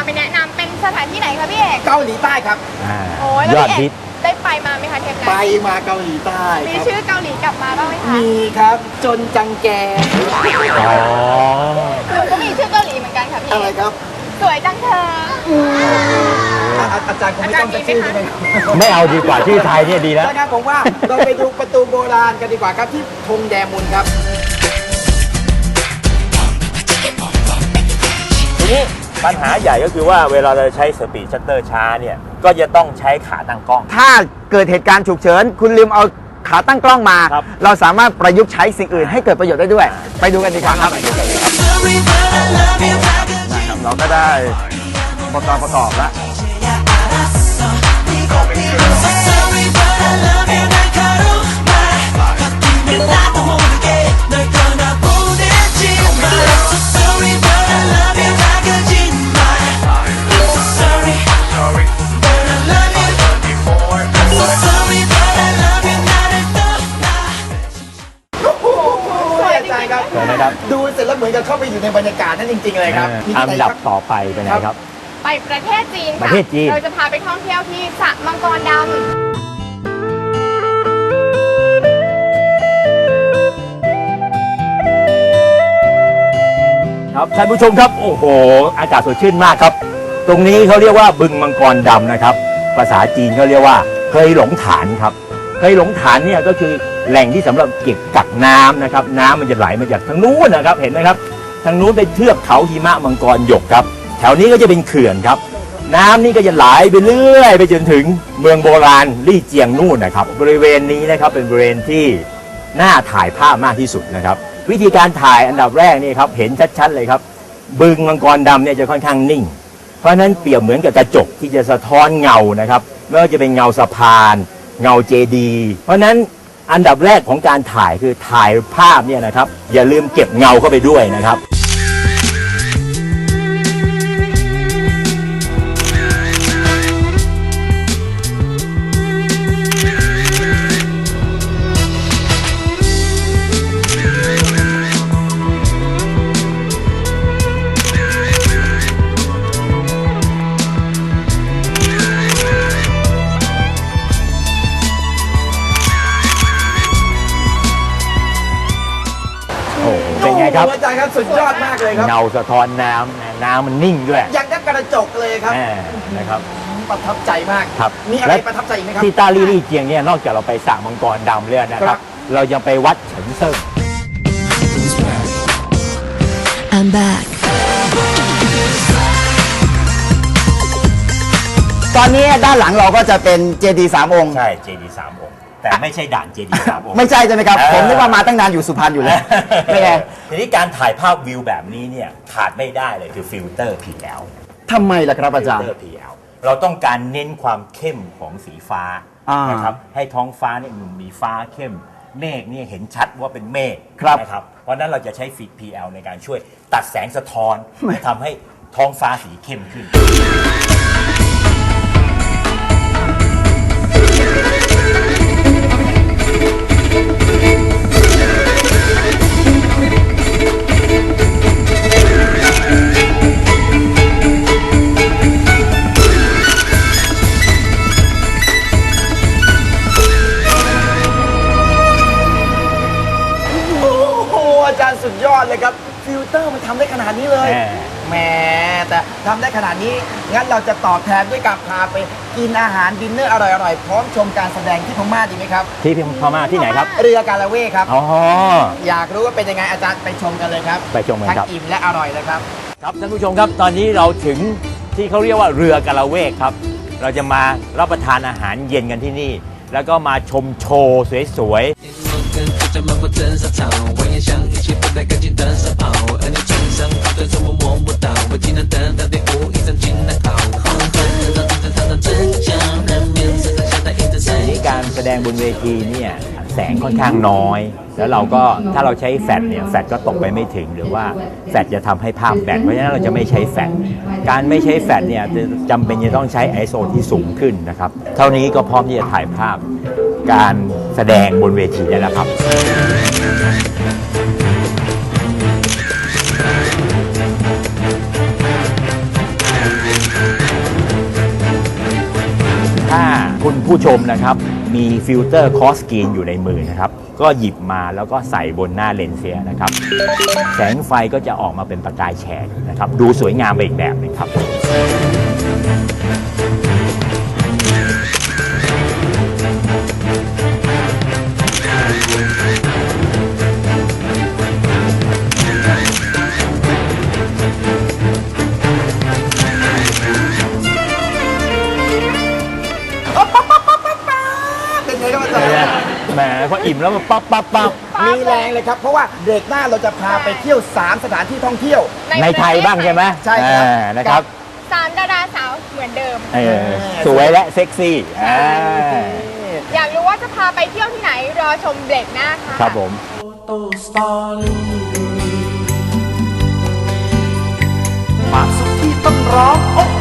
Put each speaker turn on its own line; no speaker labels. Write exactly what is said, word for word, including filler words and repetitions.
ไปแนะนำเป็นสถานที่ไหนคะพี่เอก
เกาหลีใต้ครับ
โอ้ยแล้วพี่เอกได้ไปมาไหมคะเทปนั้น
ไปมาเกาหลีใต้
มีชื่อเกาหลีกลับมาบ้างไหมคะ
มีครับจนจังแก
อ๋อหนูก็มีชื่อเกาหลีเหมือนกันค่ะพี่
อะไรครับ
สวยจังเธอ
อาจารย์คงไม่ต้องจะชื่อใช่ไหม
ไม่เอาดีกว่าชื่อไทยเนี่ยดีแล้ว
นะครับผมว่าเราไปดูประตูโบราณกันดีกว่าครับที่ธงแดมุนครับ
ทีนี้ปัญหาใหญ่ก็คือว่าเวลาเราใช้สปีดชัตเตอร์ช้าเนี่ยก็จะต้องใช้ขาตั้งกล้อง
ถ้าเกิดเหตุการณ์ฉุกเฉินคุณลืมเอาขาตั้งกล้องมาเราสามารถประยุกต์ใช้สิ่งอื่นให้เกิดประโยชน์ได้ด้วยไปดูกันดีกว่าครับเราก็ได้ประกอบประกอบแล้วดูเสร็จแล้วเหมือนกับเข้าไปอยู่ในบรรยากาศนั่นจริงๆเลยครับ
อันดับต่อไปเป็นไงครับ
ไปประเทศจีน
ประเทศจีน
เราจะพาไปท่องเที่ยวที่สระมังกรดำ
ครับท่านผู้ชมครับโอ้โหอากาศสดชื่นมากครับตรงนี้เขาเรียกว่าบึงมังกรดำนะครับภาษาจีนเขาเรียกว่าเคยหลงฐานครับเคยหลงฐานเนี่ยก็คือแหล่งที่สำหรับเก็บกักน้ำนะครับน้ำมันจะไหลมาจากทางนู้นนะครับเห็นไหมครับทางนู้นเป็นเทือกเขาหิมะมังกรหยกครับแถวนี้ก็จะเป็นเขื่อนครับน้ำนี่ก็จะไหลไปเรื่อยไปจนถึงเมืองโบราณลี่เจียงนู่นนะครับบริเวณนี้นะครับเป็นบริเวณที่น่าถ่ายภาพมากที่สุดนะครับวิธีการถ่ายอันดับแรกนี่ครับเห็นชัดๆเลยครับบึงมังกรดำเนี่ยจะค่อนข้างนิ่งเพราะฉะนั้นเปรียบเหมือนกับกระจกที่จะสะท้อนเงานะครับไม่ว่าจะเป็นเงาสะพานเงาเจดีย์เพราะฉะนั้นอันดับแรกของการถ่ายคือถ่ายภาพเนี่ยนะครับอย่าลืมเก็บเงาเข้าไปด้วยนะครับเป็นไงครับ
อาจารย์ครับสุดยอดมากเลยครับ
เงาสะท้อนน้ำน้ำมันนิ่งด้วย
อย่างกับกระจกเลยครับ
นะครับ
ประทับใจมาก
ครับ
มีอะไรประทับใจอีกไหมครับ
ที่ต้าลี่ลี่เจียงเนี่ยนอกจากเราไปสระมังกรดำเรื่อยนะครับเรายังไปวัดเฉินเซิ่ง
I'm back
ตอนนี้ด้านหลังเราก็จะเป็นเจดีย์สามองค์
ใช่เจดีย์สามองค์แต่ไม่ใช่ด่านเจดีย์สามองค์
ไม่ใช่ใช่ไหมครับผมนึกว่ามาตั้งนานอยู่สุพรรณอยู่แล้วไม่ไง
ทีนี้การถ่ายภาพวิวแบบนี้เนี่ยขาดไม่ได้เลยคือฟิลเตอร์ พี แอล
ทำไมล่ะครับอาจารย์
ฟิลเตอร์ พี แอล เราต้องการเน้นความเข้มของสีฟ้านะครับให้ท้องฟ้าเนี่ยมีฟ้าเข้มเมฆเนี่ยเห็นชัดว่าเป็นเมฆนะครับเพราะนั้นเราจะใช้ฟิล พี แอล ในการช่วยตัดแสงสะท้อนทำให้ท้องฟ้าสีเข้มขึ้น
อาจารย์สุดยอดเลยครับฟิลเตอร์มันทำได้ขนาดนี้เลยแหมแต่ทำได้ขนาดนี้งั้นเราจะตอบแทนด้วยการพาไปกินอาหารดินเนอร์อร่อยๆพร้อมชมการแสดงที่พม่าดีไหมครับ
ที่พม่าที่ไหนครับ
เรือกาละเวกครับ
อ๋อ
อยากรู้ว่าเป็นยังไงอาจารย์ไปชมกันเลยครับ
ไปชมกันครับ
ทั้งอิ่มและอร่อยเลยครับ
ครับท่านผู้ชมครับตอนนี้เราถึงที่เขาเรียกว่าเรือกาละเวกครับเราจะมารับประทานอาหารเย็นกันที่นี่แล้วก็มาชมโชว์สวยๆ在漫步真沙场，蜿蜒像一起不带干净的沙跑，而你穿上跑的时候我摸不到，我技能等到第五一张进来考，黄昏让真正唱到真相，人面身上像带印着谁。การแสดงบนเวทีเนี่ยแสงค่อนข้างน้อยแล้วเราก็ถ้าเราใช้แฟลชเนี่ยแฟลชก็ตกไปไม่ถึงหรือว่าแฟลชจะทำให้ภาพแบนเพราะฉะนั้นเราจะไม่ใช้แฟลชการไม่ใช้แฟลชเนี่ยจำเป็นจะต้องใช้ ไอ เอส โอ ที่สูงขึ้นนะครับเท่านี้ก็พร้อมที่จะถ่ายภาพการแสดงบนเวทีได้แล้วครับคุณผู้ชมนะครับมีฟิลเตอร์คอสกรีนอยู่ในมือนะครับก็หยิบมาแล้วก็ใส่บนหน้าเลนส์เสียนะครับแสงไฟก็จะออกมาเป็นประกายแฉกนะครับดูสวยงามไปอีกแบบหนึงครับ
เป็นไงครับอาจารย์
แหมพออิ่มแล้วมันปั๊บปั๊บปั๊บ
มีแรงเลยครับเพราะว่าเบรกหน้าเราจะพาไปเที่ยวสามสถานที่ท่องเที่ยว
ในไทยบ้างใช่ไหม
ใช่ครับ
อ่านะครับ
สามดาราสาวเหมือนเดิม
เออสวยและเซ็กซี่อ่า
อยากรู้ว่าจะพาไปเที่ยวที่ไหนรอชมเบรกหน้าค่ะ
ครับผม
ความสุขที่ต้องร้องโอ้